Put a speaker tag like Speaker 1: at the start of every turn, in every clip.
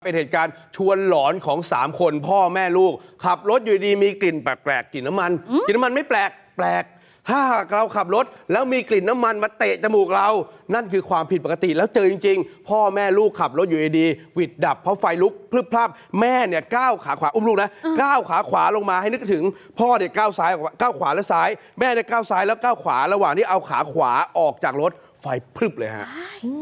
Speaker 1: เป็นเหตุการณ์ชวนหลอนของ3คนพ่อแม่ลูกขับรถอยู่ดีมีกลิ่นแปลกๆกลิ่นน้ำมันกลิ่นน้ำมันไม่แปลกถ้าเราขับรถแล้วมีกลิ่นน้ำมันมาเตะจมูกเรานั่นคือความผิดปกติแล้วเจอจริงๆพ่อแม่ลูกขับรถอยู่ดีหวิดดับเพราะไฟลุกพรึบพรับแม่เนี่ยก้าวขาขวาอุ้มลูกนะก้าวขาขวาลงมาให้นึกถึงพ่อเนี่ยก้าวซ้ายก้าวขวาแล้วซ้ายแม่เนี่ยก้าวซ้ายแล้วก้าวขวาระหว่างที่เอาขาขวาออกจากรถไฟพรึบเลยฮะ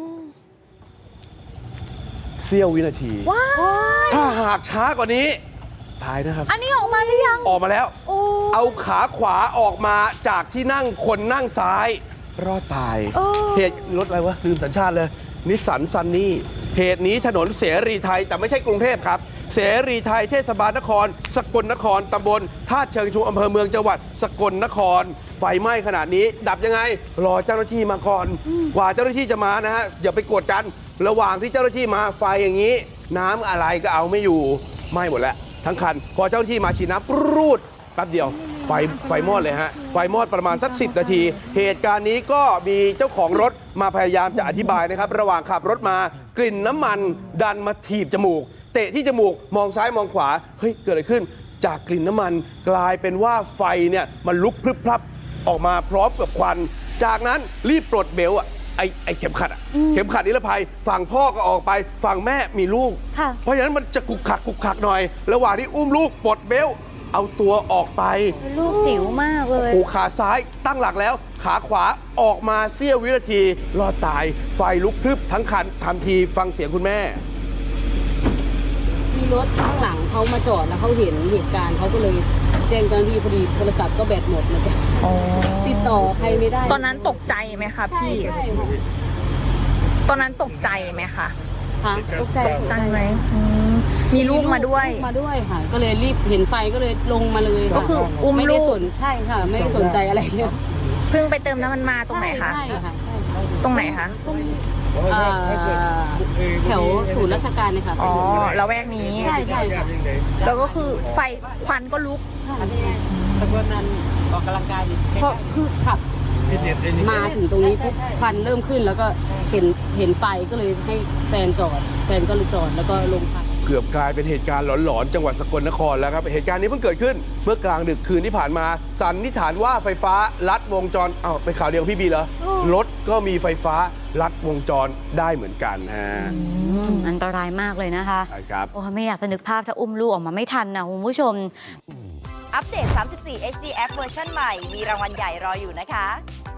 Speaker 1: เสี้ยววินาทีถ้าหากช้ากว่านี้ตายนะครับ
Speaker 2: อันนี้ออกมาหรือยัง
Speaker 1: ออกมาแล้วเอาขาขวาออกมาจากที่นั่งคนนั่งซ้ายรอดตายเหตุรถอะไรวะลืมสัญชาติเลยนิสสันซันนี่เหตุนี้ถนนเสรีไทยแต่ไม่ใช่กรุงเทพครับเสรีไทยเทศบาลนครสกลนครตำบลท่าเชิงชุมอำเภอเมืองจังหวัดสกลนครไฟไหม้ขนาดนี้ดับยังไงรอเจ้าหน้าที่มาก่อนกว่าเจ้าหน้าที่จะมานะฮะอย่าไปกดกันระหว่างที่เจ้าหน้าที่มาไฟอย่างนี้น้ำอะไรก็เอาไม่อยู่ไหม้หมดแล้วทั้งคันพอเจ้าหน้าที่มาฉีดน้ำปรูดแป๊บเดียวไฟมอดเลยฮะไฟมอดประมาณสัก10 นาทีเหตุการณ์นี้ก็มีเจ้าของรถมาพยายามจะอธิบายนะครับระหว่างขับรถมากลิ่นน้ำมันดันมาถีบจมูกเตะที่จมูกมองซ้ายมองขวาเฮ้ยเกิดอะไรขึ้นจากกลิ่นน้ำมันกลายเป็นว่าไฟเนี่ยมันลุกพรึบพรับออกมาพร้อมกับควันจากนั้นรีบปลดเบลต์ไอ้เข็มขัดเข็มขัดนิรภัยฝั่งพ่อก็ออกไปฝั่งแม่มีลูกเพราะฉะนั้นมันจะกุกขักหน่อยระหว่างที่อุ้มลูกปลดเบลต์เอาตัวออกไป
Speaker 2: ลูกจิ๋วมากเลย
Speaker 1: ขาซ้ายตั้งหลักแล้วขาขวาออกมาเสี้ยววินาทีรอดตายไฟลุกพรึบทั้งคันทันทีฟังเสียงคุณแม่
Speaker 3: มีรถข้างหลังเขามาจอดแล้วเขาเห็นเหตุการณ์เขาก็เลยแจ้งเจ้าหน้าที่พอดีโทรศัพท์ก็แบตหมดนะจ๊ะติดต่อใครไม่ได้
Speaker 2: ตอนนั้นตกใจไหมคะพี่ตอนนั้นตกใจไหมคะ
Speaker 3: ตกใจ
Speaker 2: ไหมมีลูกมาด้วย
Speaker 3: ค่ะก็เลยรีบเห็นไฟก็เลยลงมาเลย
Speaker 2: ก็คืออุ้มลูก
Speaker 3: ใช่ค่ะไม่ได้สนใจอะไรเนี่ย
Speaker 2: เพิ่งไปเติมน้ำมันมาตรงไหนคะ
Speaker 3: ใช่ค่ะ
Speaker 2: ตรงไหนคะ
Speaker 3: แถวศูนย์ราชการเนี่ยค่ะ
Speaker 2: อ๋อละแวกนี้
Speaker 3: ใช่ค่ะ
Speaker 2: แล้วก็คือไฟควันก็ลุก
Speaker 3: ตะโกนนั้นออกกำลังกายเพราะคือขับมาถึงตรงนี้ปุ๊บควันเริ่มขึ้นแล้วก็เห็นไฟก็เลยให้แฟนจอดแฟนก็เลยจอดแล้วก็ลงพัก
Speaker 1: เกือบกลายเป็นเหตุการณ์หลอนๆจังหวัดสกลนครแล้วครับเหตุการณ์นี้เพิ่งเกิดขึ้นเมื่อกลางดึกคืนที่ผ่านมาสันนิษฐานว่าไฟฟ้าลัดวงจรเป็นข่าวเดียวพี่บีเหรอรถก็มีไฟฟ้าลัดวงจรได้เหมือนกันฮะ
Speaker 4: อันตรายมากเลยนะคะ
Speaker 1: ใช่ครับ
Speaker 4: โอ้ไม่อยากจะนึกภาพถ้าอุ้มลูกออกมาไม่ทันนะคุณผู้ชม
Speaker 5: อัปเดต 34 HD App เวอร์ชันใหม่มีรางวัลใหญ่รออยู่นะคะ